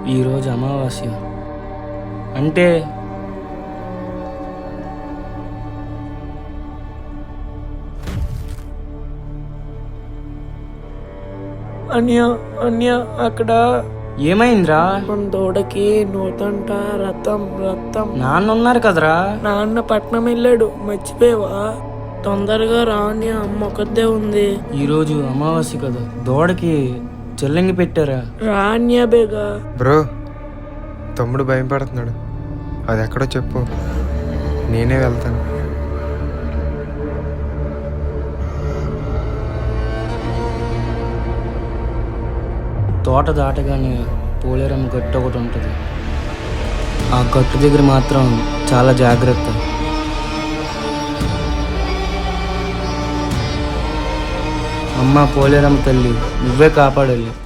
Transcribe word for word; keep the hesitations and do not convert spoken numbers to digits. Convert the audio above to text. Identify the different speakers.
Speaker 1: ఈరోజు అమావాస్య అంటే
Speaker 2: అన్య అన్య అక్కడ
Speaker 1: ఏమైందిరా?
Speaker 2: మన దూడకి నూతంట రథం రథం
Speaker 1: నాన్న ఉన్నారు కదరా.
Speaker 2: నాన్న పట్నం వెళ్ళాడు, మర్చిపోయావా? తొందరగా రాని అమ్మ ఒక్కదే ఉంది.
Speaker 1: ఈరోజు అమావాస్య కదా, దూడకి చెల్లంగి పెట్టారా?
Speaker 2: రాన్య బేగా.
Speaker 3: బ్రో, తమ్ముడు భయం పడుతున్నాడు. అది ఎక్కడో చెప్పు, నేనే వెళ్తాను.
Speaker 1: తోట దాటగానే పోలేరమ్మ గట్టు ఒకటి ఉంటుంది. ఆ గట్టు దగ్గర మాత్రం చాలా జాగ్రత్త. అమ్మ పోలేరమ్మ తల్లి, నువ్వే కాపాడాలి.